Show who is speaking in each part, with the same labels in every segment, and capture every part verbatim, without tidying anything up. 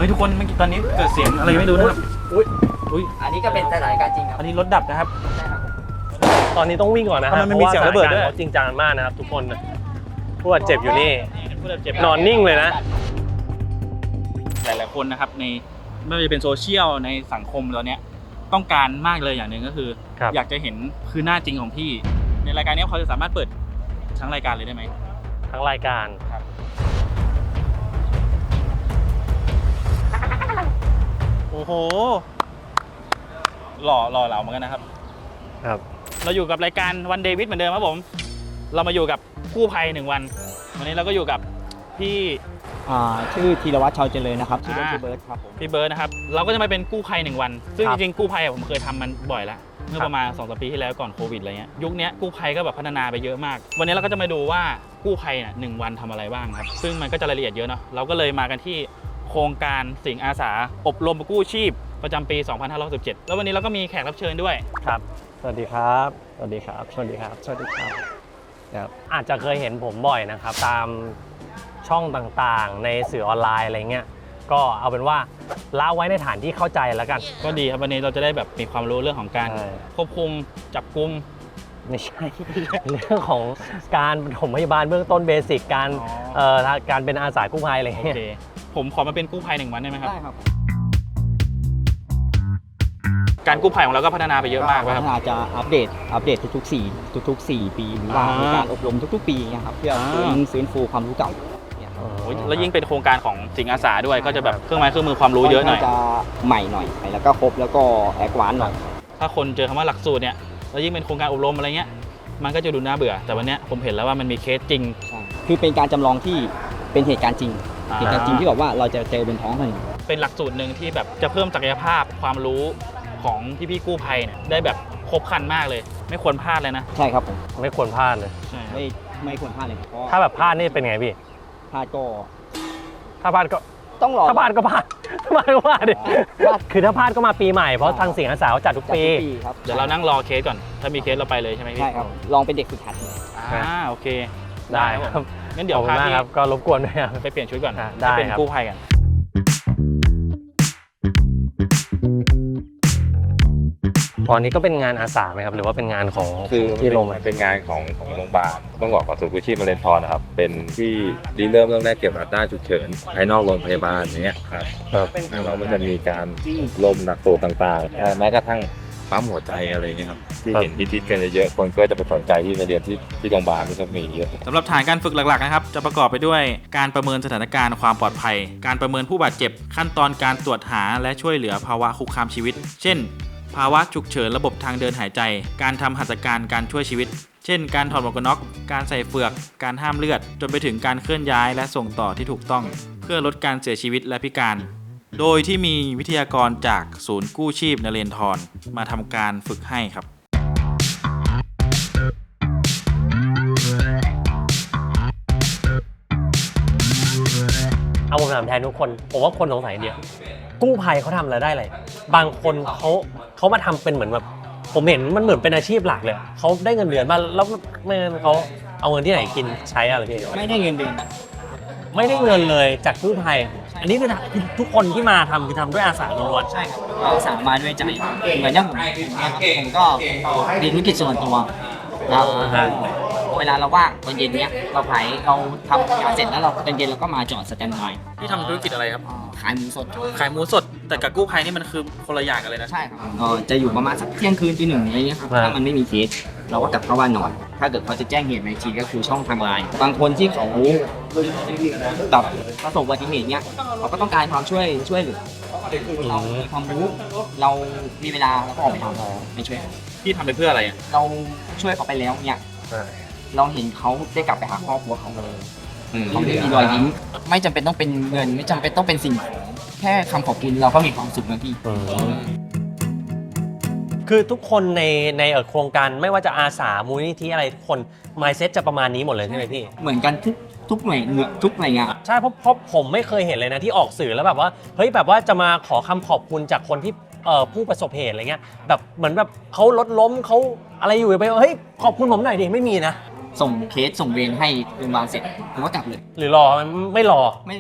Speaker 1: ฮ้ยทุกคนเมื่อกี้ตอนนี้เกิดเสียงอะไรไม่รู้นะครับอุ้ยอุ้ย
Speaker 2: อันนี้ก็เป็นสถานการณ์จริงครับ
Speaker 1: อันนี้รถดับนะครับ
Speaker 2: ใช่ครับ
Speaker 3: ตอนนี้ต้องวิ่งก่อนนะฮะ
Speaker 1: ทำไมมันมีเสียงระเบิดด้วย
Speaker 3: พาว่าสถานการณ์ขาจริงจังมากนะครับทุกคนผู้บาดเจ็บอยู่นี่นอนนิ่งเลยนะ
Speaker 1: หลายๆคนนะครับในไม่ว่าจะเป็นโซเชียลในสังคมตอนนี้ต้องการมากเลยอย่างหนึ่งก็คืออยากจะเห็นคือหน้าจริงของพี่ในรายการนี้เขาจะสามารถเปิดทั้งรายการเลยได้ไหม
Speaker 3: ทั้งรายการ
Speaker 1: ครับโอ้โหหล่อหล่อเหลาเหมือนกันนะครับ
Speaker 3: ครับ
Speaker 1: เราอยู่กับรายการวันเดวิดเหมือนเดิมครับผมเรามาอยู่กับกู้ภัยหนึ่งวันวันนี้เราก็อยู่กับพี่
Speaker 2: ชื่อธีรวัตรชาวเจริญนะครับชื่อพี่เบิร์ดครับผม
Speaker 1: พี่เบิร์ดนะครับเราก็จะมาเป็นกู้ภัยหนึ่งวันซึ่งจริงๆกู้ภัยผมเคยทำมันบ่อยแล้วเมื่อประมาณ สองถึงสาม ปีที่แล้วก่อนโควิดอะไรเงี้ยยุคนี้กู้ภัยก็แบบพัฒนาไปเยอะมากวันนี้เราก็จะมาดูว่ากู้ภัยน่ะหนึ่งวันทำอะไรบ้างครับซึ่งมันก็จะรายละเอียดเยอะเนาะเราก็เลยมากันที่โครงการสิงห์อาสาอบรมกู้ชีพประจำปี สองพันห้าร้อยหกสิบเจ็ด แล้ววันนี้เราก็มีแขกรับเชิญด้วย
Speaker 3: ครับสวัสดีครับสวัสดีครับสวัสดีครับสวัสดีครับครับอาจจะเคยเห็นผมบ่อยนะครับตามช่องต่างๆในสื่อออนไลน์อะไรเงี้ยก็เอาเป็นว่าละไว้ในฐานที่เข้าใจแล้วกัน
Speaker 1: ก็ดีครับวันนี้เราจะได้แบบมีความรู้เรื่องของการควบคุมจับกุม
Speaker 3: ไม่ใช่ เรื่องของการปฐมพยาบาลเบื้องต้นเบสิกการเอ่อการเป็นอาสากู้ภัยอะไรเงี้ย
Speaker 1: ผมขอมาเป็นกู้ภัยหนึ่งวันได้ไหมครับ
Speaker 2: ได้ครับ
Speaker 1: การกู้ภัยของเราก็พัฒนาไปเยอะมากครับ
Speaker 2: พัฒนาจะอัปเดตอัปเดตทุกๆสี่ทุกๆสี่ปีหรือว่ามีการอบรมทุกๆปีนะครับเพื่อฟื้นฟูความรู้เก่า
Speaker 1: แล้วยิ่งเป็นโครงการของสิงห์อาสาด้วยก็จะแบบเครื่องไม้เครื่องมือความรู้เยอะหน่อย
Speaker 2: จะใหม่หน่อยแล้วก็ครบแล้วก็แอดวานซ์หน่อย
Speaker 1: ถ้าคนเจอคำว่าหลักสูตรเนี่ยแล้วยิ่งเป็นโครงการอบรมอะไรเงี้ยมันก็จะดูน่าเบื่อแต่วันนี้ผมเห็นแล้วว่ามันมีเคสจริง
Speaker 2: คือเป็นการจำลองที่เป็นเหตุการณ์จริงเหตุการณ์จริงที่แบบว่าเราจะเจอบนท้องถนน
Speaker 1: เป็นหลักสูตรหนึ่งที่แบบจะเพิ่มศักยภาพความรู้ของพี่ๆกู้ภัยเนี่ยได้แบบครบครันมากเลยไม่ควรพลาดเลยนะ
Speaker 2: ใช่ครับผม
Speaker 3: ไม่ควรพลาดเลย
Speaker 2: ไม่ไม่ควรพลาดเลย
Speaker 3: ถ้าแบบพลาดนี่เป็นไงพี่
Speaker 2: พลาดก็
Speaker 3: ถ้าพลาดก็
Speaker 2: ต้องรอ
Speaker 3: ถ้าพลาดก็พลาดถ้าพลาดก็พลาดดิคือถ้าพลาดก็มาปีใหม่เพราะทางสิงห์อาสาจัดทุกปี
Speaker 1: เดี๋ยวเรานั่งรอเคสก่อนถ้ามีเคสเราไปเลยใช่ไหมพี่
Speaker 2: ใช่ครับลองเป็นเด็กฝึกหัด
Speaker 1: อ่าโอเค
Speaker 3: ได้ครับ
Speaker 1: งั้นเดี๋ยวพาพี่
Speaker 3: ก็รบกวนด้วย
Speaker 1: ไปเปลี่ยนชุดก่อน
Speaker 3: ได้
Speaker 1: เป็นกู้ภัยกัน
Speaker 3: ตอนนี้ก็เป็นงานอาสาไหมครับหรือว่าเป็นงานของ
Speaker 4: คือที่โรงพยาบาลเป็นงานของของโรงพยาบาลต้องบอกก่อนศูนย์กู้ชีพนเรศวรนะครับเป็นที่ริเริ่มเรื่องแรกเกี่ยวกับด้านฉุกเฉินภายนอกโรงพยาบาลอย่างเงี้ยครับเรามันจะมีการลมหนักตัวต่างๆแม้กระทั่งปั๊มหัวใจอะไรเงี้ยครับที่เห็นที่ทิศกันเยอะคนก็จะไปสนใจที่ในเรียนที่ที่โรงพยาบาลที่จะมีเยอะ
Speaker 1: สำหรับฐานการฝึกหลักๆนะครับจะประกอบไปด้วยการประเมินสถานการณ์ความปลอดภัยการประเมินผู้บาดเจ็บขั้นตอนการตรวจหาและช่วยเหลือภาวะคุกคามชีวิตเช่นภาวะฉุกเฉินระบบทางเดินหายใจการทำหัตถการการช่วยชีวิตเช่นการถอดหมวกกันน็อกการใส่เฟือกการห้ามเลือดจนไปถึงการเคลื่อนย้ายและส่งต่อที่ถูกต้องเพื่อลดการเสียชีวิตและพิการโดยที่มีวิทยากรจากศูนย์กู้ชีพนเรศวรมาทำการฝึกให้ครับ
Speaker 3: เอาผมถามแทนทุกคนผมว่าคนสงสัยเดียวกู้ภัยเขาทำอะไรได้เลยบางคนเขาเขามาทำเป็นเหมือนแบบผมเห็นมันเหมือนเป็นอาชีพหลักเลยเขาได้เงินเดือนมาแล้วไม่เขาเอาเงินที่ไหนกินใช้อะไรพี่
Speaker 2: ไม่ได้เงินเดือน
Speaker 3: ไม่ได้เงินเลยจากกู้ภัยอันนี้คือทุกคนที่มาทำคือทำด้วยอาสาล้วน
Speaker 2: ใช่ครับอาสามาด้วยใจเหมือนอย่างผมผมก็มีธุรกิจส่วนตัวนะครับเวลาเราว่างตอนเย็นเนี้ยเราขายเราทำงานเสร็จแล้วเราตอนเย็นเราก็มาจอดสแตนด์บาย
Speaker 1: พี่ทำธุรกิจอะไรครับ
Speaker 2: ขายหมูสด
Speaker 1: ขายหมูสดแต่กับกู้ภัยนี่มันคือคนละอย่างกันเลยนะ
Speaker 2: ใช่ครับจะอยู่ประมาณสักเที่ยงคืนตีหนึ่งอะไรเงี้ยครับถ้ามันไม่มีเคสเราก็กลับเข้าบ้านนอนถ้าเกิดเขาจะแจ้งเหตุในทีก็คือช่องทางไลน์บางคนที่เขาแบบประสบอุบัติเหตุเนี้ยเขาก็ต้องการความช่วยช่วยเหลือเรามีความรู้เรามีเวลาเราก็ออกไปทำไม่ช่วย
Speaker 1: พี่ทำไปเพื่ออะไร
Speaker 2: เราช่วยเขาไปแล้วเนี่ยเราเห็นเขาได้กลับไปหาครอบครัวเขาเลยเขาได้มีรอยยิ้มไม่จำเป็นต้องเป็นเงินไม่จำเป็นต้องเป็นสิ่งของแค่คำขอบคุณเราก็มีความสุขแล้วพี่
Speaker 3: คือทุกคนในในโครงการไม่ว่าจะอาสามูลนิธิอะไรทุกคน mindset จะประมาณนี้หมดเลยใช่ไหมพี่
Speaker 2: เหมือนกันทุกทุกหน่วยทุกหน่วยงาน
Speaker 3: ใช่เพราะเพราะผมไม่เคยเห็นเลยนะที่ออกสื่อแล้วแบบว่าเฮ้ยแบบว่าจะมาขอคำขอบคุณจากคนที่เอ่อผู้ประสบเหตุอะไรเงี้ยแบบเหมือนแบบเขารถล้มเขาอะไรอยู่ไปเฮ้ยขอบคุณผมหน่อยดิไม่มีนะ
Speaker 2: ส่งเคสส่งเวรให้โรงพยาบาลเสร็จผมก็กลับเลย
Speaker 3: หรือรอไม่รอ
Speaker 2: ไม่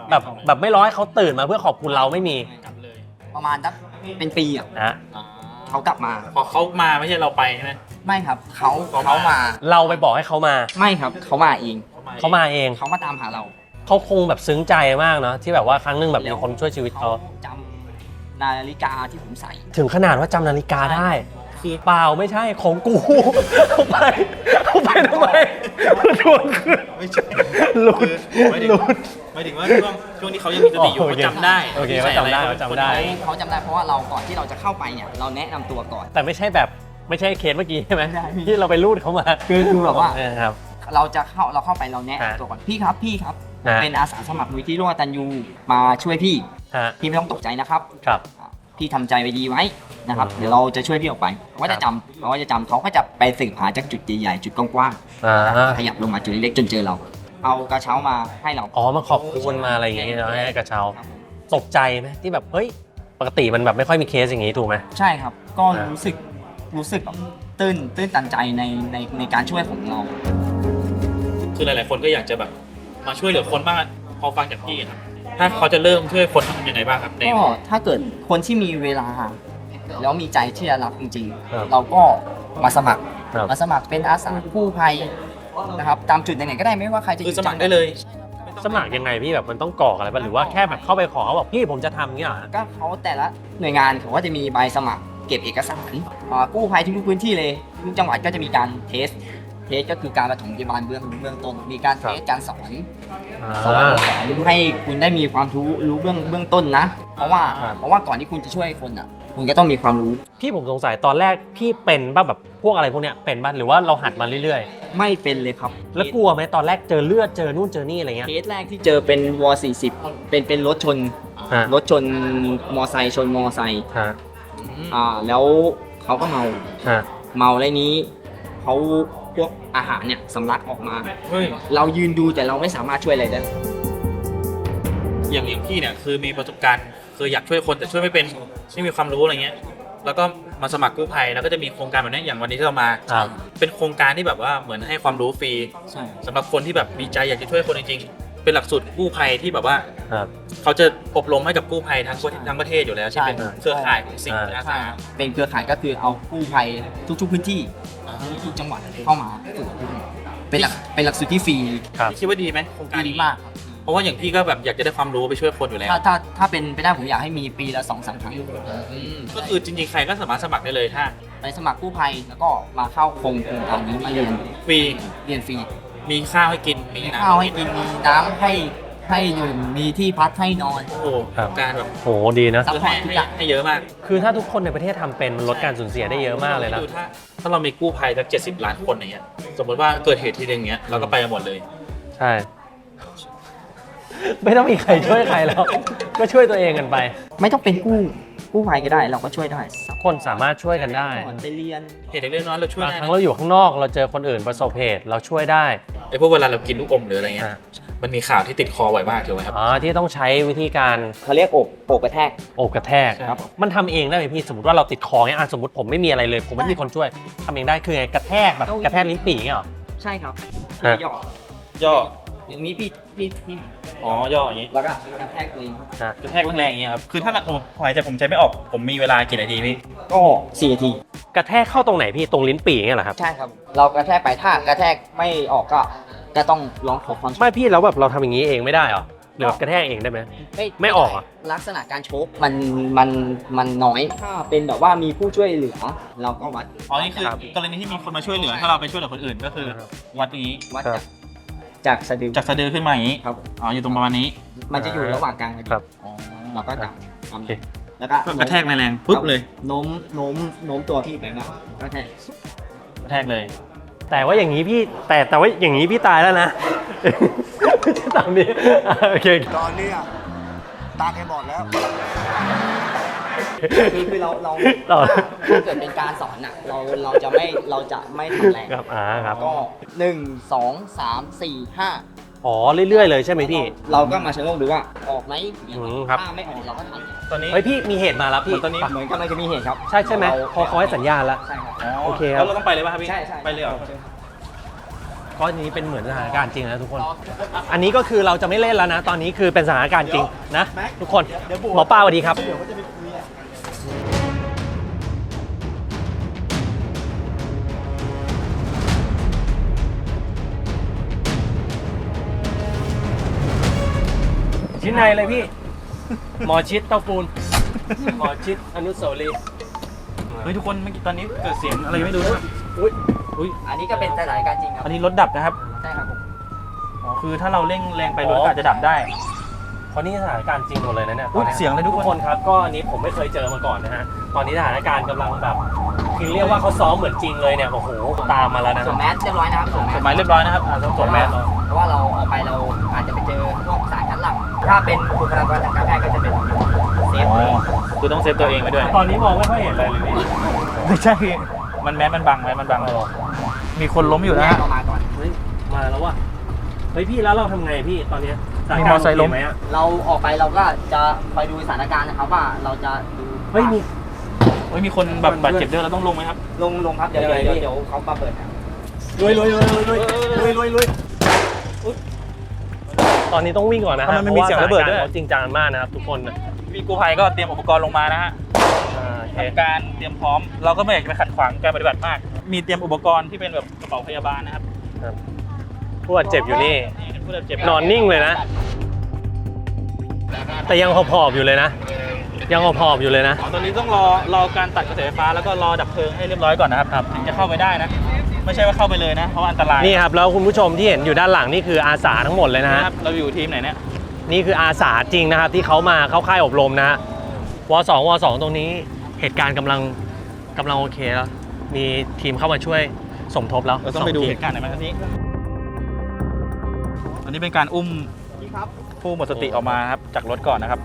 Speaker 3: แบบแบบไม่ร้อยเขาตื่นมาเพื่อขอบคุณเราไม่มี
Speaker 1: กลับเลย
Speaker 2: ประมาณสักเป็นปีอ่ะ
Speaker 3: นะ
Speaker 1: อ่า
Speaker 2: เขากลับมา
Speaker 1: พอเขามาไม่ใช่เราไปใช่ไหม
Speaker 2: ไม่ครับเขาเขามา
Speaker 3: เราไปบอกให้เขามา
Speaker 2: ไม่ครับเขามาเอง
Speaker 3: เขามาเอง
Speaker 2: เขามาตามหาเรา
Speaker 3: เขาคงแบบซึ้งใจมากเนาะที่แบบว่าครั้งหนึงแบบมีคนช่วยชีวิตเขา
Speaker 2: จำนาฬิกาที่ผมใส่
Speaker 3: ถึงขนาดว่าจำนาฬิกาได้คือเปล่าไม่ใช่ของกูเอาไปเอาไปทำไมทวงคืน
Speaker 1: ไม่ใช่
Speaker 3: หลุด
Speaker 1: หมายถึง
Speaker 3: หลุด
Speaker 1: หมายถึงว่าช่วงช่วงที่เขายังมีสติอยู่
Speaker 3: โอ
Speaker 1: เขา
Speaker 3: เค
Speaker 1: จำได้
Speaker 3: โอเคเขาจำได้เขาจำได้
Speaker 2: เขาจำได้เพราะว่าเราก่อนที่เราจะเข้าไปเนี่ยเราแนะนำตัวก่อน
Speaker 3: แต่ไม่ใช่แบบไม่ใช่เคสเมื่อกี้ใช่ไหม
Speaker 2: ไม่ใช่
Speaker 3: ที่เราไปรูดเขามา
Speaker 2: คือคือแบบว่า
Speaker 3: เออครับ
Speaker 2: เราจะเข้าเราเข้าไปเราแนะ
Speaker 3: ฮะ
Speaker 2: นำตัวก่อนพี่ครับพี่ครับ
Speaker 3: ฮะ
Speaker 2: เป็นอาสาสมัครมูลที่ร่วมกตัญญูมาช่วยพี่
Speaker 3: ฮะ
Speaker 2: พี่ไม่ต้องตกใจนะครับ
Speaker 3: ครับ
Speaker 2: พี่ทำใจไว้ดีไว้นะครับ
Speaker 3: อืม
Speaker 2: เดี๋ยวเราจะช่วยพี่ออกไปเขาก็จะจำเขาก็จะจำเขาก็จะไปสืบหาจากจุดใหญ่ๆจุดกว้าง
Speaker 3: อ่า
Speaker 2: ๆขยับลงมาจุดเล็กๆจนเจอเรา เอากระเช้ามาให้เรา
Speaker 3: อ๋อมาขอบคุณมาอะไรอย่างเงี้ยเนาะให้กระเช้า
Speaker 2: ครับผม
Speaker 3: ตกใจไหมที่แบบเฮ้ยปกติมันแบบไม่ค่อยมีเคสอย่างงี้ถูกไหม
Speaker 2: ใช่ครับ ก็
Speaker 3: อ่ารู้
Speaker 2: รู้สึกรู้สึกแบบตื้นตื้นตันใจในในในการช่วยของเรา
Speaker 1: คือหลายๆคนก็อยากจะแบบมาช่วยเหลือคนบ้างอะพอฟังจากพี่ครับถ้าเขาจะเริ่มช่วยคนทำยังไงบ้างครับใน
Speaker 2: ก็ถ้าเกิดคนที่มีเวลา แล้วมีใจที่จะรับจริง
Speaker 3: ครับ
Speaker 2: ๆ เราก็มาสมัคร
Speaker 3: ครับ
Speaker 2: มาสมัครเป็นอาสากู้ภัยนะครับตามจุดไหนๆก็ได้ไม่ว่าใครจะอ
Speaker 1: คือยู่ สมัครได้เลย
Speaker 3: สมัครยังไงพี่แบบมันต้องกรอกอะไรป่ะหรือว่าแค่แบบเข้าไปขอเขาบอกพี่ผมจะทำเงี้ยเหรอ
Speaker 2: ก็เขาแต่ละหน่วยงานเขาก็จะมีใบสมัครเก็บเอกสารอ่ากู้ภัยทุกๆพื้นที่เลยทุกจังหวัดก็จะมีการเทสเทสก็คือการปฐมพยาบาลเบื้องเบื้องต้นมีการเทสการสอนสอน
Speaker 3: อ่า
Speaker 2: สอนให้คุณได้มีความรู้รู้เบื้องเบื้องต้นนะ เพราะว่า
Speaker 3: ครับ
Speaker 2: เพราะว่าก่อนที่คุณจะช่วยคนอ่ะ คุณก็ต้องมีความรู้
Speaker 3: พี่ผมสงสัยตอนแรกพี่เป็นป่ะแบบพวกอะไรพวกเนี้ยเป็นป่ะหรือว่าเราหัดมาเรื่อย
Speaker 2: ไม่เป็นเลยครับ
Speaker 3: ๆ แล้วกลัวไหมตอนแรกเจอเลือดเจอนู่นเจอนี่อะไรเงี้ย
Speaker 2: เคสแรกที่เจอเป็นวอสี่สิบเป็นเป็นรถชน
Speaker 3: ฮะ
Speaker 2: รถชนมอไซค์ชนมอไซค์
Speaker 3: ฮะ
Speaker 2: อ่าแล้วเขาก็เมา
Speaker 3: ฮะ
Speaker 2: เมาแล้วนี้เขาพวกอาหารเนี่ยสำลักออกมา
Speaker 1: เฮ้ย
Speaker 2: เรายืนดูแต่เราไม่สามารถช่วยอะไรได้
Speaker 1: อย่างอย่างพี่เนี่ยคือมีประสบการณ์คืออยากช่วยคนแต่ช่วยไม่เป็นไม่มีความรู้อะไรเงี้ยแล้วก็มาสมัครกู้ภัยแล้วก็จะมีโครงการแบบนี้อย่างวันนี้ที่เรามา
Speaker 3: ครับ
Speaker 1: เป็นโครงการที่แบบว่าเหมือนให้ความรู้ฟรี
Speaker 2: ใช่
Speaker 1: สำหรับคนที่แบบมีใจอยากจะช่วยคนจริงๆเป็นหลักสูตรกู้ภัยที่แบบว่า
Speaker 3: ครับ
Speaker 1: เขาจะอบรมให้กับกู้ภัยทั้งประเทศทั้งประเทศอยู่แล้วที่เป็นเครือข่ายของสิ่งอาสา
Speaker 2: เป็นเครือข่ายก็คือเอากู้ภัยทุกๆพื้นที่ทุกจังหวัดเข้ามาฝึกเป็นหลักเป็นหลักสูตรที่ฟรี
Speaker 3: ครับ
Speaker 1: คิดว่าดีไหมโครงการ
Speaker 2: ดี
Speaker 1: นี้
Speaker 2: มากครับ
Speaker 1: เพราะว่าอย่างพี่ก็แบบอยากจะได้ความรู้ไปช่วยคนอยู่แล้ว
Speaker 2: ถ้าถ้าถ้าเป็นไปได้ผมอยากให้มีปีละสองสามครั้ง
Speaker 1: อืมก็คือจริงๆใครก็สามารถสมัครได้เลยถ้า
Speaker 2: ไปสมัครกู้ภัยแล้วก็มาเข้าโครงการนี้มาเรียน
Speaker 1: ฟรี
Speaker 2: เรียนฟรี
Speaker 1: มีข้าวให้กินมี
Speaker 2: มี
Speaker 1: น้ำ
Speaker 2: ข้าวให้กินมีน้ำให้ให้ดื่มมีที่พักให้นอน
Speaker 1: โอ้โห
Speaker 3: ครับ
Speaker 1: การแบบ
Speaker 3: โหดีนะ
Speaker 2: ซัพพอ
Speaker 1: ให้
Speaker 2: ร์ตทุก
Speaker 1: ให้
Speaker 2: อย่าง
Speaker 1: ให้เยอะมาก
Speaker 3: คือถ้าทุกคนในประเทศทำเป็นมันลดการสูญเสียได้เยอะมากเลยนะ
Speaker 1: ดูถ้าถ้าเรามีกู้ภัยสักเจ็ดสิบล้านคนอย่างเงี้ยสมมติว่าเกิดเหตุทีหนึงเงี้ยเราก็ไปกันหมดเลย
Speaker 3: ใช่ ไม่ต้องมีใครช่วยใครแล้ว ก็ช่วยตัวเองกันไป
Speaker 2: ไม่ต้องเป็นกู้กู้ภัยก็ได้เราก็ช่วยได้ซัพพอร์ต
Speaker 3: คนสามารถช่วยกันได้
Speaker 2: ไปเรียน
Speaker 1: เหตุเล็กๆน้อยๆเราช่วย
Speaker 3: บาง
Speaker 1: ได้
Speaker 3: ครั้
Speaker 1: นะ
Speaker 3: งเราอยู่ข้างนอกเราเจอคนอื่นประสบเหตุเราช่วยได้
Speaker 1: ไอ้พวกเวลาเรากินลูกอมหรืออะไรเงี้ย
Speaker 3: อ่ะ
Speaker 1: มันมีข่าวที่ติดคอบ่อยมากถูกไหมครับ
Speaker 3: อ๋อที่ต้องใช้วิธีการ
Speaker 2: เขาเรียกอกอกกระแทก
Speaker 3: โอบกระแทก
Speaker 1: ครับ
Speaker 3: มันทำเองได้ไหมพี่สมมติว่าเราติดคอเงี้ยอ่ะสมมติผมไม่มีอะไรเลย ผมไม่มีคนช่วยทำเองได้คือไงกระแทกแบบกระแทกลิ้นปี่เงี้ยเหรอ
Speaker 2: ใช่ครับ
Speaker 3: ฮะ
Speaker 2: ย่อย่
Speaker 1: อ
Speaker 2: อย่างนี้พี่พี่พี่
Speaker 1: อ๋อย่ออย่างงี้
Speaker 2: แล้วก็กระแทกตัวเอง
Speaker 3: ฮะ
Speaker 1: กระแทกแรงๆอย่างเงี้ยครับคือถ้าผมหายใจผมใจไม่ออกผมมีเวลากี่นาทีพี่
Speaker 2: ก็สี่นาที
Speaker 3: กระแทกเข้าตรงไหนพี่ตรงลิ้นปี่เงี้ยเหรอครับ
Speaker 2: ใช่ครับ เรากระแทกไปถ้ากระแทกไม่ออกก็ก็ต้องร้องขอความช่วย
Speaker 3: ไม่พี่แล้วแบบเราทำอย่างนี้เองไม่ได้เหรอหรือแบบกระแทกเองได้ไหม ไม่ออกอ่ะ
Speaker 2: ลักษณะการโชกมันมันมันน้อยถ้าเป็นแบบว่ามีผู้ช่วยเหลือ เราก็วัด
Speaker 1: อ๋อนี่คือกรณีที่มีคนมาช่วยเหลือถ้าเราไปช่วยเหลือคนอื่นก็คือวัดนี้
Speaker 2: วัด
Speaker 3: ครั
Speaker 2: จาก
Speaker 3: บ
Speaker 2: จากสะดือ
Speaker 1: จากสะดือขึ้นมาอย่างนี้
Speaker 2: ครับ
Speaker 1: อ๋ออยู่ตรงประมาณนี้
Speaker 2: มันจะอยู่ระหว่างกลางกระ
Speaker 3: ครับ
Speaker 1: อ๋อ
Speaker 2: เราก็จับ
Speaker 3: โอเค
Speaker 2: แล้วก็
Speaker 1: ก็กระแทกแรงๆปุ๊บเลย
Speaker 2: โน้มโน้มโน้มตัวที่ไปมากกระแทก
Speaker 1: กระแทกเลย
Speaker 3: แต่ว่าอย่างนี้พี่แต่แต่ว่าอย่างนี้พี่ตายแล้วนะ ไม่ใช่ตามนี้อ่ะโอเค
Speaker 5: ตอนเนี้ยตาแกบอดแล้ว
Speaker 2: คือคือเราเรา
Speaker 3: ต่อ
Speaker 2: ถ้าเกิดเป็นการสอนอ่ะเราเราจะไม่เราจะไม่ทำแรง
Speaker 3: ครับอ่าครับ
Speaker 2: ก็หนึ่งสองสามสี่ห้า
Speaker 3: อ๋อเรื่อยๆเลยใช่ไหมพี่
Speaker 2: เราก็มาชะโงกดูว่าออกไหม
Speaker 3: อืมครับ
Speaker 2: ถ้าไม่ออกเราก็ทำ
Speaker 1: ตอนนี้
Speaker 3: เฮ้ยพี่มีเหตุมาแล้วพี่
Speaker 1: ตอนนี้
Speaker 2: เหมือนกำลังจะมีเหตุครับ
Speaker 3: ใช่ใช่ไหม
Speaker 2: เรา
Speaker 3: พอเขาให้สัญญาณแล้ว
Speaker 2: ใช่ครับ
Speaker 3: โอเคครับ
Speaker 1: แล้วเราต้องไปเลยป่ะครับพี่
Speaker 2: ใช่ใช่
Speaker 1: ไปเลยเหรอ
Speaker 3: ก็อันนี้เป็นเหมือนสถานการณ์จริงนะทุกคน อันนี้ก็คือเราจะไม่เล่นแล้วนะ ตอนนี้คือเป็นสถานการณ์จริงนะทุกคนหมอป้าสวัสดีครับชิ้นในเลยพี่ หมอชิดเต้าปูน หมอชิดอนุสาวรีย์
Speaker 1: เฮ้ยทุกคนเมื่อกี้ตอนนี้เกิดเสียงอะไรไม่รู้นะครับ
Speaker 3: อุ้ย
Speaker 1: อุ้ย
Speaker 2: อันนี้ก็เป็นสถานการณ์จริงครับ
Speaker 1: อันนี้รถดับนะครับ
Speaker 2: ใช่ครับผม
Speaker 1: อ๋อคือถ้าเราเร่งแรงไปรถก็อาจจะดับได้
Speaker 3: เพราะนี่สถานการณ์จริงหมดเลยนะเนี่ย
Speaker 1: อุ๊ยเสียงเลยทุกคน
Speaker 3: ทุกคนครับก็อันนี้ผมไม่เคยเจอมาก่อนนะฮะตอนนี้สถานการณ์กำลังแบบคือเรียกว่าเขาซ้อมเหมือนจริงเลยเนี่ยโอ้โหตามมาแล้วนะ
Speaker 2: สวมแมสเรียบร้อยนะครับสวมแม
Speaker 1: ก
Speaker 2: ส
Speaker 1: ฎหมายเรียบร้อยนะครับอ่าต้องสวมแมส
Speaker 2: เพราะว่าเราออกไปเราอาจจะไปเจอพวกสารคัดหลั่งถ้าเป็นบุคลากรทางการแพทย์ก็จะเป็นเซฟ
Speaker 1: อ๋อคือต้องเซฟตัวเองไปด้วย
Speaker 3: ตอนนี้มองไม่ค่อยเห็นอะไรเลยพี่
Speaker 1: ไม่ใช่ มันแมสมันบังแมสมันบังมีคนล้มอยู่นะ
Speaker 2: แย
Speaker 1: ฮะ
Speaker 2: กออกมาก่อน
Speaker 3: เฮ้ยมาแล้วว่ะเฮ้ยพี่แล้วเราทำไงพี่ตอนเนี้ยสถาน
Speaker 1: มี
Speaker 3: การ
Speaker 1: มอ
Speaker 3: ณ์
Speaker 1: ไซค์ล้ม
Speaker 3: โอเคไหมอะ
Speaker 2: เราออกไปเราก็จะคอยดูสถานการณ์นะครับว่าเราจะดู
Speaker 3: เฮ้ยมี
Speaker 1: เฮ้ยมีคนแบบบาดเจ็บด้วยเราต้องลงไหมครับ
Speaker 2: ลงลงครับเดี๋ยว
Speaker 3: ยังไง
Speaker 2: เดี๋ยว
Speaker 3: พี่
Speaker 2: เดี๋ยวเขามาเปิดครับ
Speaker 3: ลุยลุยลุยลุยลุยลุยลุยลุยตอนนี้ต้องวิ่งก่อนนะฮะ
Speaker 1: ทำไมมันมีเสียงระเบิดด้วย
Speaker 3: พาาสถานการณ์ขาจริงจังมากนะครับทุกคนนะ
Speaker 1: พี่กู้ภัยก็เตรียมอุปกรณ์ลงมานะฮะ
Speaker 3: อ่าโอเค
Speaker 1: ทำการเตรียมพร้อม เราก็ไม่อยากจะไปขัดขวางการปฏิบัติมาก มีเตรียมอุปกรณ์ที่เป็นแบบกระเป๋าพยาบาลนะครับ
Speaker 3: ผู้บาดเจ็บอยู่นี่
Speaker 1: นี่ผู้บาดเจ็บ
Speaker 3: นอนนิ่งเลยนะ แต่ยังหอบๆอยู่เลยนะ ยังหอบๆอยู่เลยนะ
Speaker 1: ตอนนี้ต้องรอรอการตัดกระแสไฟฟ้าแล้วก็รอดับเพลิงให้เรียบร้อยก่อนนะครับครับถึงจะเข้าไปได้นะ ไม่ใช่ว่าเข้าไปเลยนะ เพราะว่าอันตราย
Speaker 3: นี่ครับแล้วคุณผู้ชมที่เห็นอยู่ด้านหลังนี่คืออาสาทั้งหมดเลยนะฮะ
Speaker 1: นะครับเราอยู่ทีมไหนเนี่ย
Speaker 3: นี่คืออาสาจริงนะครับที่เขามาเข้าค่ายอบรมนะฮะวสองวสองตรงนี้เหตุการณ์กำลังกำลังโอเคแล้ว มีทีมเข้ามาช่วยสมทบแล้ว
Speaker 1: เราต้องไปดู
Speaker 3: สที
Speaker 1: เหตุการณ์ไหนอยไหมครับนี้อันนี้เป็นการอุ้มผู้หมดสติออกมาครับจากรถก่อนนะครับ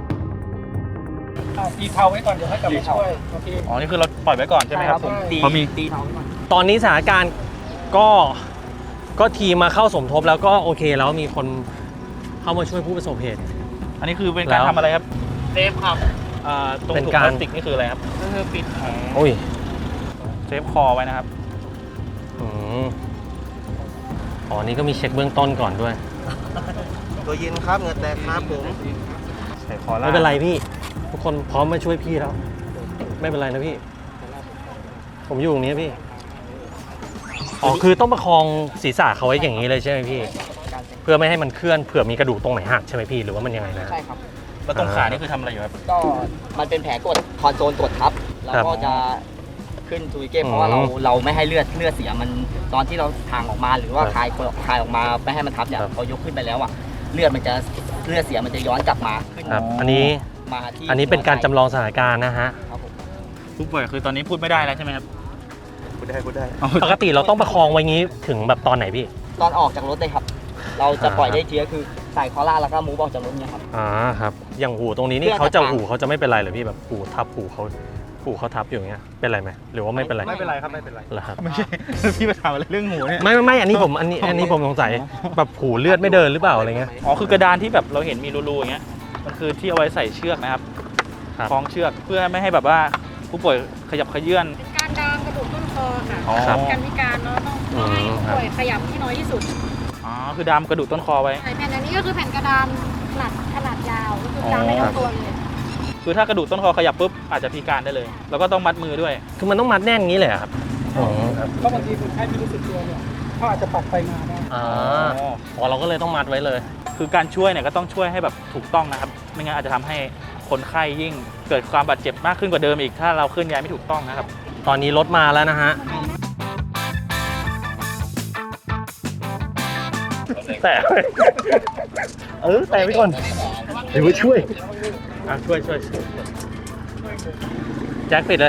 Speaker 5: ตีเท้าไว้ก่อนเดี๋ยวให้กลับมาช่วยโอเค
Speaker 1: อ๋อนี่คือเราปล่อยไว้ก่อนใช่ไหมครับ
Speaker 2: ผมตี
Speaker 1: เพราะมี
Speaker 2: ตีเท้าไว้ก่อน
Speaker 3: ตอนนี้สถานการณ์ก็ก็ทีมมาเข้าสมทบแล้วก็โอเคแล้วมีคนเข้ามาช่วยผู้ประสบเหตุ
Speaker 1: อันนี้คือเป็นการ
Speaker 3: แล้ว
Speaker 1: ทำอะไรครับ
Speaker 2: เซฟครับ
Speaker 1: อ่าตรง
Speaker 3: เป็น
Speaker 1: ถุง
Speaker 3: การ
Speaker 1: พลาสติกนี่คืออะไรครับ
Speaker 2: ก็คือปิดแผล
Speaker 3: โอ้ย
Speaker 1: เซฟคอไว้นะครับ
Speaker 3: อืมอ๋อนี่ก็มีเช็คเบื้องต้นก่อนด้วย
Speaker 5: ตัวเย็นครับเหงื่อแตกครับผม
Speaker 1: ใส่คอล่าง
Speaker 3: ไม่เป็นไรพี่ ทุกคนพร้อมมาช่วยพี่แล้ว ไม่เป็นไรนะพี่ ผมอยู่ตรงนี้พี่ อ๋อคือต้องประคองศีรษะเขาไว้อย่างนี้เลยใช่ไหมพี่ เพื่อไม่ให้มันเคลื่อนเผื่อมีกระดูกตรงไหนหักใช่ไหมพี่หรือว่ามันยังไงนะ
Speaker 2: ใช่ครับ
Speaker 1: แล้วตรงขานี่คือทำอะไรอยู่ครับ
Speaker 2: ก็มันเป็นแผลกดคอนโซลกดทับเรา
Speaker 3: ครับ
Speaker 2: ก็จะขึ้นทูริเก้เพราะว่าเรา
Speaker 3: อืม
Speaker 2: เราไม่ให้เลือดเลือดเสียมันตอนที่เราทางออกมาหรือว่า
Speaker 3: ครับ
Speaker 2: คลายคลายออกมาไม่ให้มันทับเนี่ย
Speaker 3: ครับ
Speaker 2: พอยกขึ้นไปแล้วอ่ะเลือดมันจะเลือดเสียมันจะย้อนกลับมาขึ้น
Speaker 3: ครับ อันนี้
Speaker 2: มาที่
Speaker 3: อันนี้เป็นการจำลองสถานการณ์นะฮะ
Speaker 2: ครับผม
Speaker 1: ผู้ป่วยคือตอนนี้พูดไม่ได้แล้วใช่ไหมครับ
Speaker 5: พูดได้พูดได้
Speaker 3: ปกติเราต้องประคองไว้งี้ถึงแบบตอนไหนพี่
Speaker 2: ตอนออกจากรถเลยครับ เราจะ
Speaker 3: อ่า
Speaker 2: ปล่อยได้ทีก็คือใส่คอล่าแล้วก็มูฟออกจากรถเนี่ยครับ
Speaker 3: อ่าครับ อย่างหูตรงนี้นี่
Speaker 2: เพื่อ
Speaker 3: เขาจะ
Speaker 2: จะ
Speaker 3: หูเขาจะไม่เป็นไรเหรอพี่แบบหูทับหูเขาหูเขาทับอยู่อย่างเงี้ย เป็นไรไหมหรือว่าไม่เป็นไร
Speaker 5: ไม่เป็นไรครับไม่เป็นไร
Speaker 3: เหรอครับ
Speaker 1: ไม่ใช่ พี่มาถามอะไรเรื่องหูเนี่ย
Speaker 3: ไม่ไม่ไม่อันนี้ผมอันนี้อันนี้ผมสงสัยแบบหูเลือดไม่เดินหรือเปล่าอะไรเงี้ย
Speaker 1: อ๋อคือกระดานที่แบบเราเห็นมีรูๆอย่างเงี้ยมันคือที่เอาไว้ใส่เชือกนะครับ
Speaker 3: ครับ
Speaker 1: คล้องเชือกเพื่อไม่ให้แบบว่าผู้ป่วยขยับขยื่น
Speaker 6: เป็นการดามกระดูกต้นคอค่ะ
Speaker 1: อ๋อ
Speaker 3: ครับ
Speaker 6: การพิการเนาะต้องต้องให้ผู้ป่วยขยับที่น้อยที่สุด
Speaker 1: อ๋อคือดามกระดูกต้นคอไว้
Speaker 6: ใช่แผ่นอันนี้ก็คือแผ่นกระดานขนาดขนาดยาวก็คือดามได้ทั้งตัวเลย
Speaker 1: คือถ้ากระดูกต้นคอขยับปุ๊บอาจจะพิการได้เลย แล้วก็ต้องมัดมือด้วย
Speaker 3: คือมันต้องมัดแน่นงี้เลยเหรอครับอ๋อครับ
Speaker 5: ก็บางทีคนไข้ไม่รู้สึกตัวเนี่ยเขาอาจจะปักไปมาได้
Speaker 3: อ่าอ๋อเราก็เลยต้องมัดไว้เลย
Speaker 1: คือการช่วยเนี่ยก็ต้องช่วยให้แบบถูกต้องนะครับ ไม่งั้นอาจจะทำให้คนไข้ยิ่งเกิดความบาดเจ็บมากขึ้นกว่าเดิมอีกถ้าเราเคลื่อนย้ายไม่ถูกต้องนะครับ
Speaker 3: ตอนนี้รถมาแล้วนะฮะแต่เออแต่ไปก่อนเดี๋ยวไปช่วยอ่ะช่วยช่วยช่วยแจ็คปิดเลย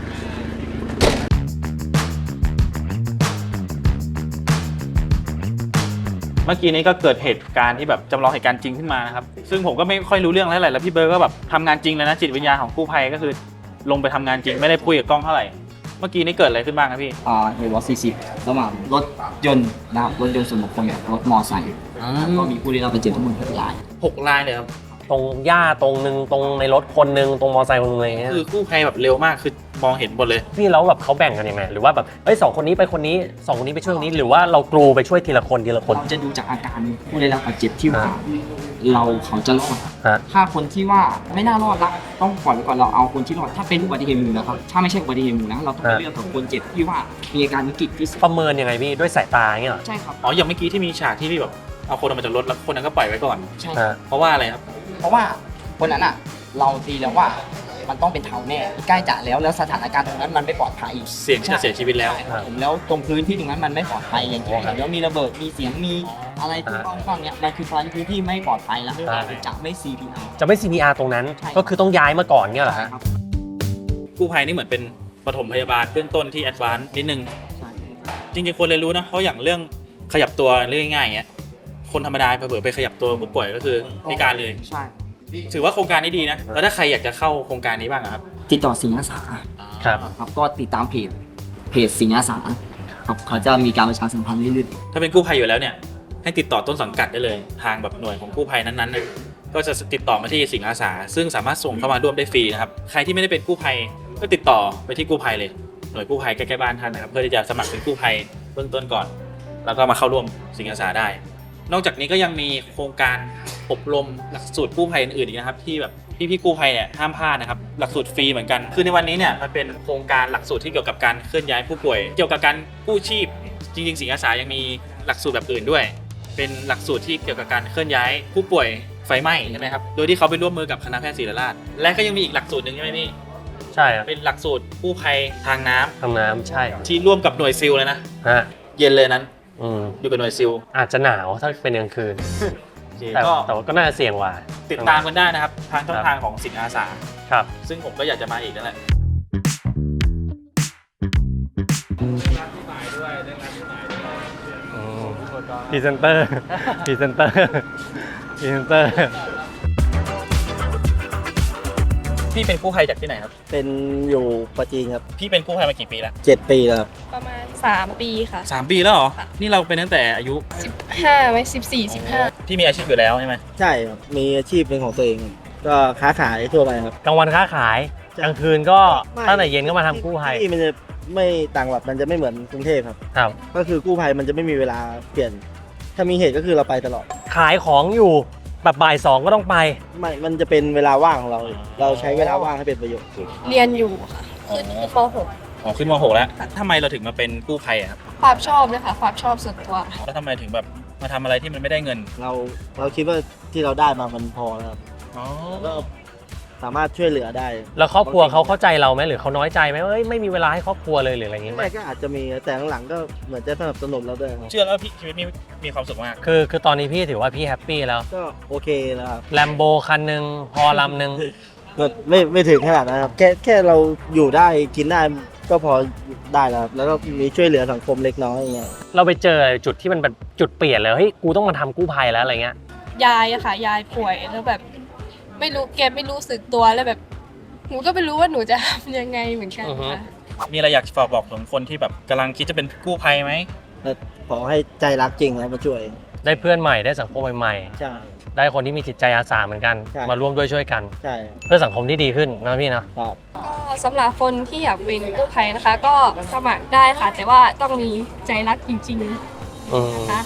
Speaker 1: เมื่อกี้นี้ก็เกิดเหตุการณ์ที่แบบจำลองเหตุการณ์จริงขึ้นมานะครับ ซึ่งผมก็ไม่ค่อยรู้เรื่องเท่าไหร่แล้วพี่เบิร์ดก็แบบทำงานจริงเลยนะจิตวิญญาณของกู้ภัยก็คือลงไปทำงานจริงไม่ได้คุยกับกล้องเท่าไหร่ เมื่อกี้นี้เกิดอะไรขึ้นบ้างครับพี่
Speaker 2: อ่าเหตุว่าสี่สิบระหว่างรถยนต์นะครับรถยนต์ส่วนบุคคลกับรถมอไซค์ก็มีผู้ได้รับบาดเจ็บทั้งหมดหกราย
Speaker 1: หกรายเลยครับ
Speaker 3: ตรงหญ้าตรงนึงตรงในรถคนนึงตรงมอเตอร์ไซค์คนนึงอะไรเงี้ย
Speaker 1: คือกู้ภัยแบบเร็วมากคือมองเห็นหมดเลย
Speaker 3: พี่แล้วแบบเขาแบ่งกันยังไงหรือว่าแบบเอ้ยสองคนนี้ไปคนนี้สองคนนี้ไปช่วยคนนี้หรือว่าเรากรูไปช่วยทีละคนทีละคน
Speaker 2: เราจะดูจากอาการผู้ได้รับบาดเจ็บที่ว่าเราเขาจะรอด
Speaker 3: ฮะ
Speaker 2: ถ้าคนที่ว่าไม่น่ารอดละต้องก่อนไว้ก่อนเราเอาคนที่รอดถ้าเป็นอุบัติเหตุหมู่นะครับถ้าไม่ใช่อุบัติเหตุหมู่นะเราต้องไปเลือกกับคนเจ็บที่ว่ามีอาการวิกฤตที่สุด
Speaker 3: ประเมินยังไงพี่ด้วยสายตาเงี้ยเหรอ
Speaker 2: ใช่ครับ
Speaker 1: อ๋ออย่างเมื่อกี้ที่มีฉากที่พี่แบบเอาคนออกมาจากรถแล้วคนนั้นก็ปล่อยไว้ก่อน
Speaker 2: ใช่
Speaker 3: ฮะ
Speaker 1: เพราะว่าอะไรครับ
Speaker 2: เพราะว่าคนนั้นอ่ะเราตีแล้วว่ามันต้องเป็นเท้าแน่ใกล้จะแล้วแล้วสถานการณ์ตรงนั้นมันไม่ปลอดภัย
Speaker 1: เสี่ยงจะเสียชีวิตแล้ว
Speaker 2: ผมแล้วตรงพื้นที่ตรงนั้นมันไม่ปลอดภัยอย่างที่เห็นแล้วมีระเบิดมีเสียงมีอะไรที่ต้องต้องเนี้ยมันคือพื้นที่ไม่ปลอดภัยแล้วจะไม่ ซี พี อาร์
Speaker 3: จะไม่ ซี พี อาร์ ตรงนั้น
Speaker 2: ใช่
Speaker 3: ก็คือต้องย้ายมาก่อนเงี้ยเหรอฮะ
Speaker 1: กู้ภัยนี่เหมือนเป็นปฐมพยาบาลเบื้องต้นที่แอดวานซ์นิดนึง จริงๆคนเลยรู้นะเพราะอย่างเรื่องขยับตัวเรื่องง่ายๆอย่างเงี้ยคนธรรมดาเผื่อๆไปขยับตัวผู้ป่วยก็คือพิการเลย
Speaker 2: ใช่
Speaker 1: ถือว่าโครงการนี้ดีนะแล้วถ้าใครอยากจะเข้าโครงการนี้บ้างอะครับ
Speaker 2: ติดต่อสิงห์อาสา
Speaker 3: ครับ
Speaker 2: ครับก็ติดตามเพจเพจสิงห์อาสาครับเขาจะมีการประชาสัมพันธ์เรื่อย
Speaker 1: ถ้าเป็นกู้ภัยอยู่แล้วเนี่ยให้ติดต่อต้นสังกัดได้เลยทางแบบหน่วยของกู้ภัยนั้นๆน่ะก็จะติดต่อมาที่สิงห์อาสาซึ่งสามารถส่งเข้ามาร่วมได้ฟรีนะครับใครที่ไม่ได้เป็นกู้ภัยก็ติดต่อไปที่กู้ภัยเลยหน่วยกู้ภัยใกล้ๆบ้านท่านนะครับเพื่อที่จะสมัครเป็นกู้ภัยเบื้องต้นก่อน แล้วก็มาเข้าร่วมสิงห์อาสาได้ นอกจากนี้ก็ยังมีโครงการอบรมหลักสูตรกู้ภัยอื่นๆอีกนะครับที่แบบพี่ๆกู้ภัยเนี่ยห้ามพลาดนะครับหลักสูตรฟรีเหมือนกันคือในวันนี้เนี่ยมันเป็นโครงการหลักสูตรที่เกี่ยวกับการเคลื่อนย้ายผู้ป่วย เกี่ยวกับการกู้ชีพจริงๆสิงห์อาสายังมีหลักสูตรแบบอื่นด้วย เป็นหลักสูตรที่เกี่ยวกับการเคลื่อนย้ายผู้ป่วยไฟไหม้ใช่ไหมครับโดยที่เขาไปร่วมมือกับคณะแพทย์ศิริราชและก็ยังมีอีกหลักสูตรหนึ่งใช่ไหมพี่
Speaker 3: ใช่ครับ
Speaker 1: เป็นหลักสูตรกู้ภัยทางน้ำ
Speaker 3: ทางน้ำใช่
Speaker 1: ที่ร่วมกับหน่วยซิลเลยนะ
Speaker 3: ฮะ
Speaker 1: เย็นเลยนั้น
Speaker 3: อืม
Speaker 1: อยู่กับหน่วยซิล
Speaker 3: อาจจะหนาวถ้าเป็นกลางคืน
Speaker 1: โอเค
Speaker 3: แต่
Speaker 1: ก็
Speaker 3: แต่ว่าก็น่าจะเสี่ยงกว่า
Speaker 1: ติดตามกันได้นะครับทางช่องทางของสิงห์อาสา
Speaker 3: ครับ
Speaker 1: ซึ่งผมก็อยากจะมาอีกนั่นแหละ
Speaker 3: พรีเซนเตอร์ พรีเซนเตอร์ พรีเซนเตอร์
Speaker 1: พี่เป็นกู้ภัยจากที่ไหนครับ
Speaker 5: เป็นอยู่ปัจจีนครับ
Speaker 1: พี่เป็นกู้ภัยมากี่ปีแล้ว
Speaker 5: เจ็ดปีแล้วครับ
Speaker 6: ประมาณสามปีค่ะ
Speaker 1: สามปีแล้วเหรอ นี่เราเป็นตั้งแต่อายุ
Speaker 6: สิบห้าไหมสิบสี่สิบห้า
Speaker 1: พี่มีอาชีพอยู่แล้วใช่ไหม
Speaker 5: ใช่ครับ มีอาชีพเป็นของตัวเองครับก็ค้าขายทั่วไปครับ
Speaker 3: กลางวันค้าขาย
Speaker 5: ใช่
Speaker 3: กลางคืนก็
Speaker 5: ไม่
Speaker 3: ตั้งแต่เย็นก็มาทำกู้ภัย
Speaker 5: ที่มันจะไม่ต่างแบบมันจะไม่เหมือนกรุงเทพครับ
Speaker 3: ครับ
Speaker 5: ก็คือกู้ภัยมันจะไม่มีเวลาเปลี่ยน ถ้ามีเหตุก็คือเราไปตลอด
Speaker 3: ขายของอยู่แบบบ่ายสองก็ต้องไป
Speaker 5: ไม่ มันจะเป็นเวลาว่างของเรา เราใช้เวลาว่างให้เป็นประโยชน์
Speaker 6: เรียนอยู่ค่ะขึ้นป .หก
Speaker 1: อ๋อขึ้นม .หก แล้วทำไมเราถึงมาเป็นกู้ภัยอะครับ
Speaker 6: ความชอบเลยค่ะความชอบส่วนตัว
Speaker 1: แล้วทำไมถึงแบบมาทำอะไรที่มันไม่ได้เงิน
Speaker 5: เราเราคิดว่าที่เราได้มามันพอแล้วครับ
Speaker 1: อ๋อ
Speaker 5: ก็สามารถช่วยเหลือได้
Speaker 3: แล้วครอบครัวเขาเข้าใจเราไหมหรือเขาน้อยใจไหมว่าเอ้ยไม่มีเวลาให้ครอบครัวเลยหรืออะไรอย่างงี้ไหม
Speaker 5: แม่ก็อาจจะมีแต่หลังๆก็เหมือนจะสนับสนุนเราด้วยครับ
Speaker 1: เชื่อแล้วพี่ชีวิตมีมีความสุขมาก
Speaker 3: คือคือตอนนี้พี่ถือว่าพี่แฮปปี้แล้ว
Speaker 5: ก็โอเคแล้วครับ
Speaker 3: แลมโบคันหนึ่งพอลำหนึ่ง
Speaker 5: ก็ไม่ไม่ถึงขนาดนั้นครับแค่แค่เราอยู่ได้กินได้ก็พอได้แล้วครับแล้วก็มีช่วยเหลือสังคมเล็กน้อยอย่างเงี้ย
Speaker 3: เราไปเจอจุดที่มันเป็นจุดเปลี่ยนเลยเฮ้ยกูต้องมาทำกู้ภัยแล้วอะไรเงี้ย
Speaker 6: ยายอะค่ะ ยายป่วยแล้วแบบ ไม่รู้แกไม่รู้สึกตัวแล้วแบบหนูก็ไม่รู้ว่าหนูจะทำยังไงเหมือนกัน
Speaker 3: อือฮึ
Speaker 6: ค่ะ
Speaker 1: มีอะไรอยากฝากบอกถึงคนที่แบบกำลังคิดจะเป็นกู้ภัยไหม
Speaker 5: แล้วขอให้ใจรักจริงแล้วมาช่วย
Speaker 3: ได้เพื่อนใหม่ได้สังคมใหม่
Speaker 5: ใช่
Speaker 3: ๆได้คนที่มีจิตใจอาสาเหมือนกัน
Speaker 5: ใช่
Speaker 3: มาร่วมด้วยช่วยกัน
Speaker 5: ใช่
Speaker 3: เพื่อสังคมที่ดีขึ้นนะพี่นะ
Speaker 5: ครับ
Speaker 6: ก็สำหรับคนที่อยากเป็นกู้ภัยนะคะ ก็สมัครได้ค่ะ แต่ว่าต้องมีใจรักจริง
Speaker 3: อืม
Speaker 6: ๆนะคะ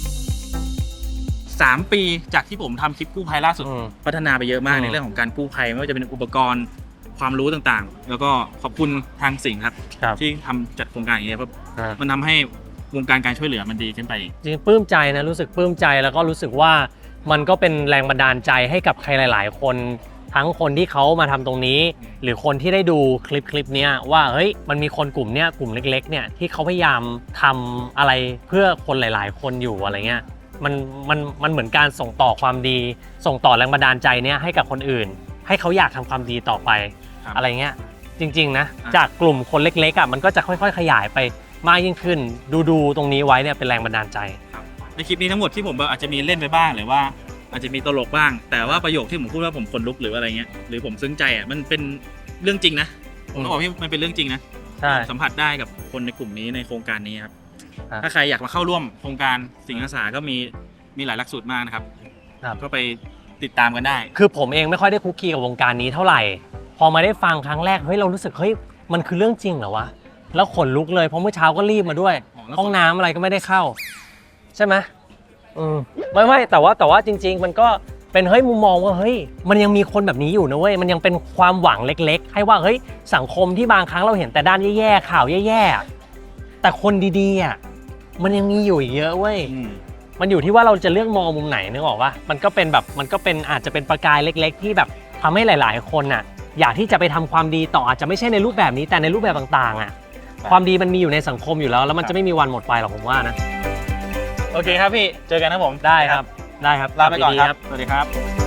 Speaker 1: สามปีจากที่ผมทำคลิปกู้ภัยล่าสุด
Speaker 3: อืม
Speaker 1: พัฒนาไปเยอะมาก
Speaker 3: อืม
Speaker 1: ในเรื่องของการกู้ภัยไม่ว่าจะเป็นอุปกรณ์ความรู้ต่างๆ แล้วก็ขอบคุณทางสิงห์ครับ
Speaker 3: ครับ
Speaker 1: ที่ทำจัดโครงการอย่างเงี้ยเพราะ
Speaker 3: อ่า
Speaker 1: มันทำให้วงการการช่วยเหลือมันดีขึ้นไปอีก
Speaker 3: จริงๆปลื้มใจนะรู้สึกปลื้มใจแล้วก็รู้สึกว่ามันก็เป็นแรงบันดาลใจให้กับใครหลาย ๆ คน ทั้งคนที่เขามาทำตรงนี้ หรือคนที่ได้ดูคลิปคลิปเนี้ยว่าเฮ้ยมันมีคนกลุ่มเนี้ยกลุ่มเล็กๆเนี่ยที่เขาพยายามทำอะไรเพื่อคนหลาย ๆ คนอยู่อะไรเงี้ยมันมันมันเหมือนการส่งต่อความดี ส่งต่อแรงบันดาลใจเนี้ยให้กับคนอื่น ให้เขาอยากทำความดีต่อไป
Speaker 1: ครับ
Speaker 3: อะไรเงี้ยจริงๆนะ
Speaker 1: อ่ะ
Speaker 3: จากกลุ่มคนเล็กๆอ่ะมันก็จะค่อยๆ ขยายไปมากยิ่งขึ้น ดูดูตรงนี้ไว้เนี่ยเป็นแรงบันดาลใจ
Speaker 1: ในคลิปนี้ทั้งหมดที่ผมอาจจะมีเล่นไปบ้างหรือว่าอาจจะมีตลกบ้าง แต่ว่าประโยคที่ผมพูดว่าผมขนลุกหรืออะไรเงี้ยหรือผมซึ้งใจอ่ะมันเป็นเรื่องจริงนะผมต้องบอกพี่มันเป็นเรื่องจริงนะ
Speaker 3: ใช่
Speaker 1: สัมผัสได้กับคนในกลุ่มนี้ในโครงการนี้ครับ
Speaker 3: ครับ
Speaker 1: ถ้าใครอยากมาเข้าร่วมโครงการสิงห์อาสาก็มีมีหลายหลักสูตรมากนะครับ
Speaker 3: ครับ
Speaker 1: ก็ไปติดตามกันได้
Speaker 3: คือผมเองไม่ค่อยได้คุกคีกับวงการนี้เท่าไหร่ พอมาได้ฟังครั้งแรกเฮ้ยเรารู้สึกเฮ้ยมันคือเรื่องจริงเหรอวะแล้วขนลุกเลยเพราะเมื่อเช้าก็รีบมาด้วย
Speaker 1: อ๋อแล้ว
Speaker 3: ห้องน้ำอะไรก็ไม่ได้เข้า ใช่ไหมอืมไม่ไม่แต่ว่าแต่ว่าจริง ๆ มันก็เป็นเฮ้ยมุมมองว่าเฮ้ยมันยังมีคนแบบนี้อยู่นะเว้ยมันยังเป็นความหวังเล็กๆ ให้ว่าเฮ้ยสังคมที่บางครั้งเราเห็นแต่ด้านแย่ๆข่าวแย่ๆแต่คนดีๆอ่ะมันยังมีอยู่อีกเยอะเว้ย
Speaker 1: อืม
Speaker 3: มันอยู่ที่ว่าเราจะเลือกมองมุมไหนนึกออกว่ามันก็เป็นแบบมันก็เป็นอาจจะเป็นประกายเล็ก ๆ ที่แบบทำให้หลาย ๆ คนน่ะอยากที่จะไปทำความดีต่ออาจจะไม่ใช่ในรูปแบบนี้แต่ในรูปแบบต่างๆอ่ะความดีมันมีอยู่ในสังคมอยู่แล้วแล้วมันจะไม่มีวันหมดไปหรอกผมว่านะ
Speaker 1: โอเคครับพี่ เจอกันครับผม
Speaker 3: ได้ครับได้ครับ
Speaker 1: ลาไปก่อน
Speaker 3: ดีๆ
Speaker 1: ครับ สวัสดีครับ